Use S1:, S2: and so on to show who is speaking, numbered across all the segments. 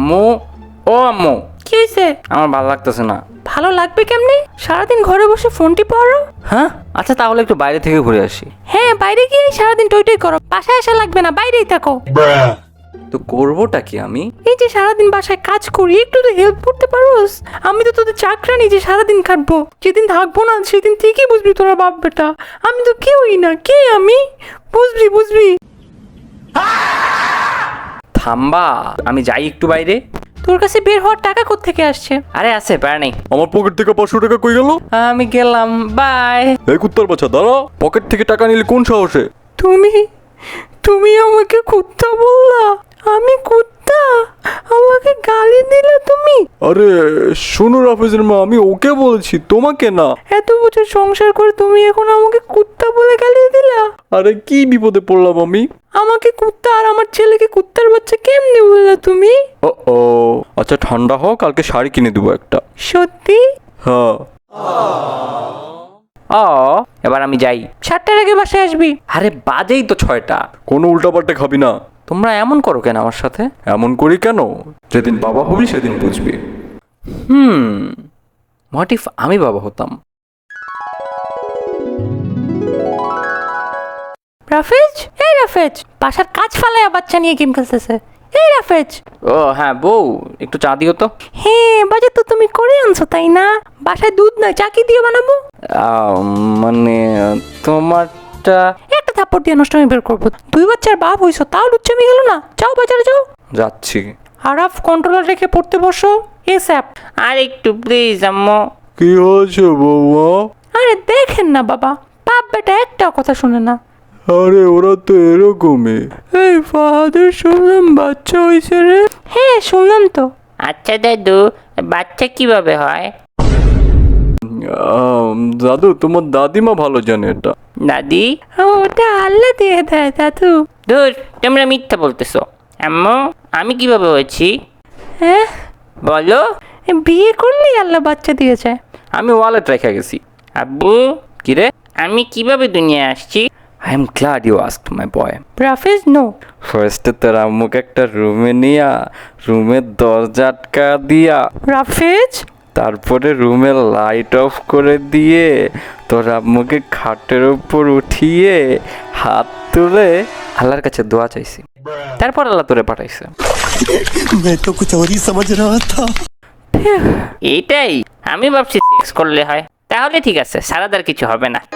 S1: আম্মু, ও আম্মু,
S2: কি হয়েছে?
S1: আমার ভালো লাগতেছে না।
S2: ভালো লাগবে কেমনে? সারাদিন ঘরে বসে ফোনটি পড়ো।
S1: হ্যাঁ, আচ্ছা তাহলে একটু বাইরে থেকে ঘুরে আসি।
S2: হ্যাঁ, বাইরে গিয়ে সারাদিন টই টই করো, বাসায় আসা লাগবে না, বাইরেই থাকো।
S1: তো করবোটা কি আমি?
S2: এই যে সারাদিন বাসায় কাজ করি, একটু তো হেল্প করতে পারোস? আমি তো তোদের চাকরানি যে সারাদিন খাটবো, যেদিন থাকবো না সেদিন ঠিকই বুঝবি তোরা বাপ বেটা। আমি তো কেউই না, কে আমি? বুঝবি।
S1: থাম্বা, আমি যাই একটু বাইরে।
S2: তোর কাছে বের হওয়ার টাকা কোত্থেকে আসছে?
S1: আরে আছে, প্যারা নেই।
S3: আমার পকেট থেকে 500 টাকা কই গেল?
S1: আমি গেলাম, বাই।
S3: এই কুত্তার বাচ্চা দাঁড়া, পকেট থেকে টাকা নিলে কোন সাহসে?
S2: তুমি আমাকে কুত্তা বললা? আমি কুত্তা? আমাকে গালি দিলে তুমি?
S3: আরে শোনো রাফেজের মা, আমি ওকে বলছি, তোমাকে না।
S2: এত বছর সংসার করে তুমি এখন আমাকে কুত্তা বলে গালি দিলা?
S3: আরে কি বিপদে পড়লাম আমি?
S2: আমাকে কুত্তা আর আমার ছেলেকে কুত্তার বাচ্চা কেমনে বললা তুমি?
S3: ও আচ্ছা ঠান্ডা হোক, কালকে শাড়ি কিনে দেবো একটা।
S2: সত্যি?
S3: হ্যাঁ।
S1: এবার আমি যাই।
S2: 7টার আগে বাসায় আসবি।
S1: আরে বাজেই তো 6টা।
S3: কোনো উল্টাপাল্টা খাবি না।
S1: তোমরা এমন করো কেন আমার সাথে?
S3: এমন করি কেন? যেদিন বাবা হবি সেদিন বুঝবি।
S1: হোয়াট ইফ আমি বাবা হতাম?
S2: রাফেজ, বাসার কাজ ফালায় বাচ্চা নিয়ে গেম খেলতেছে। এই রাফেজ।
S1: ও হ্যাঁ বউ, একটু চা দিও তো।
S2: হ্যাঁ, বাজে তো তুমি করে আনছো তাই না? বাসায় দুধ না, চা কি দিয়ে বানাবো?
S1: মানে তোমারটা।
S2: একটা থাপ্পড় দিয়ে নষ্ট আমি বের করবো। 2 বাচ্চার বাপ হইছো, তাও লুচ্চামি গেল না? যাও বাজারে যাও।
S3: যাচ্ছি।
S2: আরাফ, কন্ট্রোলার রেখে পড়তে বসো। এসআপ।
S1: আর একটু প্লিজ আম্মু।
S3: কি হয়েছে বৌমা?
S2: আরে দেখেন না বাবা, বাপ বেটা একটা কথা শুনে না।
S3: আরে ওরা তো এরকমই। এই ফাহাদের শুনলাম বাচ্চা হয়েছে রে।
S2: হ্যাঁ শুনলাম তো।
S1: আচ্ছা দাদু, বাচ্চা কিভাবে হয়?
S3: দাদু, তোমার দাদিমা ভালো জানে এটা।
S1: দাদি?
S2: ওটা আল্লাহ দিয়ে দেয় দাদু।
S1: ধুর, তোমরা মিথ্যা বলতেছো। আম্মু, আমি কিভাবে হয়েছি
S2: হ্যাঁ,
S1: বলো?
S2: বিয়ে করলেই আল্লাহ বাচ্চা দিয়েছে।
S1: আমি ওয়ালেট রেখে গেছি। আব্বু, কিরে আমি কিভাবে দুনিয়ায় আসছি? I am glad you asked my boy.
S2: রাফেজ নো।
S3: ফার্স্টে তোর আম্মুকে একটা রুমে নিয়া, রুমের দরজা আটকা দিয়া,
S2: রাফেজ।
S3: তারপরে রুমের লাইট অফ করে দিয়ে তোর আম্মুকে খাটের উপর উঠিয়ে হাত তুলে
S1: আল্লাহর কাছে দোয়া চাইছি, তারপর আল্লাহ তোরে পাঠাইছে।
S4: मैं तो कुछ और ही समझ रहा था।
S1: এইটাই আমি ভাবছি সেক্স করলে হয়। তাহলে ঠিক আছে, সারাদার কিছু হবে না।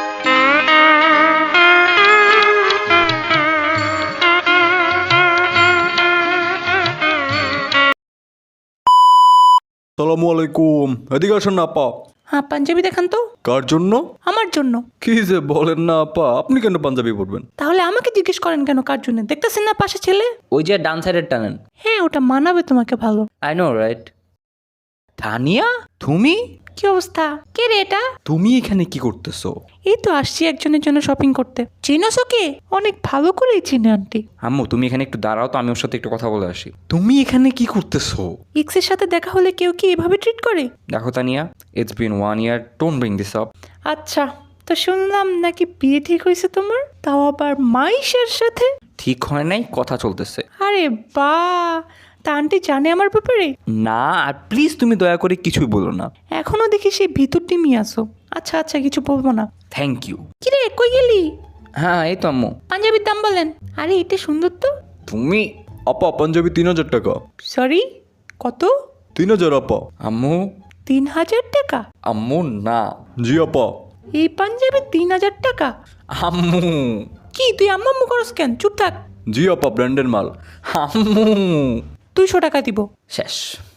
S3: সালামু আলাইকুম। এদিকে আসেন না আপা।
S2: হ্যাঁ, পাঞ্জাবি দেখান তো।
S3: কার জন্য?
S2: আমার জন্য।
S3: কি যে বলেন না আপা, আপনি কেন পাঞ্জাবি পরবেন?
S2: তাহলে আমাকে জিজ্ঞেস করেন কেন কার জন্য? দেখতেছেন না পাশে ছেলে?
S1: ওই যে ডান সাইডের টানেন।
S2: হ্যাঁ, ওটা মানাবে তোমাকে ভালো।
S1: I know right. তানিয়া, তুমি?
S2: কি অবস্থা? কে রে এটা?
S3: তুমি এখানে কি করতেছো?
S2: এই তো আসছি একজনের জন্য শপিং করতে। চিনোস ওকে? অনেক ভালো করেই চিনে আন্টি।
S3: আম্মু তুমি এখানে একটু দাঁড়াও তো, আমি ওর সাথে একটু কথা বলে আসি। তুমি এখানে কি করতেছো?
S2: এক্সের সাথে দেখা হলে কেউ কি এভাবে ট্রিট করে?
S3: দেখো Tania, it's been 1 year, don't bring this up.
S2: আচ্ছা, তো শুনলাম নাকি বিয়ে ঠিক হয়েছে তোমার, তাও আবার মাইশের সাথে।
S3: ঠিক হয় নাই, কথা চলতেছে।
S2: আরে বাহ, তা আন্টি জানে আমার ব্যাপারে?
S3: না, আর প্লিজ তুমি দয়া করে কিছুই বলো না।
S2: এখনো দেখি সেই ভিতর টিমই আসো। আচ্ছা, কিছু বলবো না।
S3: Thank you.
S2: কিরে, কই গেলি?
S3: হ্যাঁ এই তো আম্মু।
S2: পাঞ্জাবির দাম বলেন। আরে এটা সুন্দর তো।
S3: তুমি? আপা পাঞ্জাবি 3000 টাকা।
S2: সরি, কত?
S3: 3000 আপা। আম্মু।
S2: 3000 টাকা?
S3: আম্মু না। জি আপা।
S2: এই পাঞ্জাবি 3000 টাকা?
S3: আম্মু।
S2: কি তুই আম্মা আম্মু করস কেন? চুপ থাক।
S3: জি আপা, ব্র্যান্ডের মাল। আম্মু।
S2: 200 টাকা দিব।
S3: শেষ।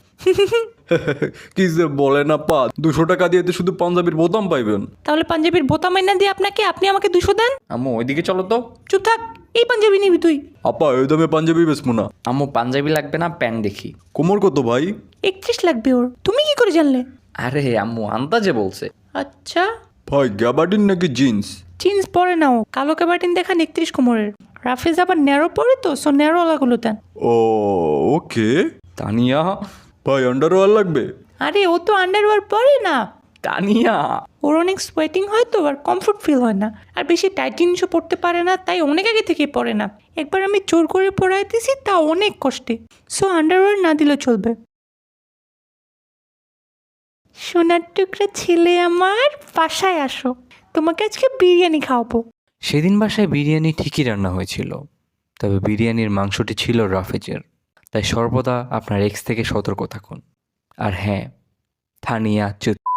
S3: কি যে বলেন আপা, 200 টাকা দিয়ে তো শুধু পাঞ্জাবির বোতাম পাইবেন।
S2: তাহলে পাঞ্জাবির বোতাম এনে দিয়ে আপনি আমাকে 200 দেন।
S3: আম্মু ওইদিকে চলো তো।
S2: চুপ থাক, এই পাঞ্জাবি নিবি তুই?
S3: আপা এই দামে পাঞ্জাবি বেচবো না।
S1: আম্মু পাঞ্জাবি লাগবে না, প্যান্ট দেখি।
S3: কোমর কত ভাই?
S2: 31 লাগবে ওর। তুমি কি করে জানলে?
S1: আরে আম্মু আন্দাজে বলছে।
S2: আচ্ছা,
S3: ভাই গ্যাবার্ডিন নাকি জিন্স?
S2: জিন্স পরে নাও, কালো ক্যাবার্টিন দেখান 31 কোমরের। রাফেজ আবার ন্যারো পরে তো, সো ন্যারো ওলাগুলো দেন।
S3: ও ওকে। তানিয়া ভাই আন্ডারওয়্যার লাগবে?
S2: আরে ও তো আন্ডারওয়্যার পরে না।
S3: তানিয়া
S2: ওর অনেক সোয়েটিং হয় তো আর কমফোর্ট ফিল হয় না, আর বেশি টাইট জিনিসও পরতে পারে না, তাই অনেক আগে থেকেই পরে না। একবার আমি জোর করে পরাইতেছি, তা অনেক কষ্টে। সো আন্ডারওয়্যার না দিলেও চলবে। সোনার টুকরা ছেলে আমার, বাসায় আসো, তোমাকে আজকে বিরিয়ানি খাওয়াবো।
S5: সেদিন বাসায় বিরিয়ানি ঠিকই রান্না হয়েছিল, তবে বিরিয়ানির মাংসটি ছিল রাফেজের। তাই সর্বদা আপনার এক্স থেকে সতর্ক থাকুন। আর হ্যাঁ, থানিয়া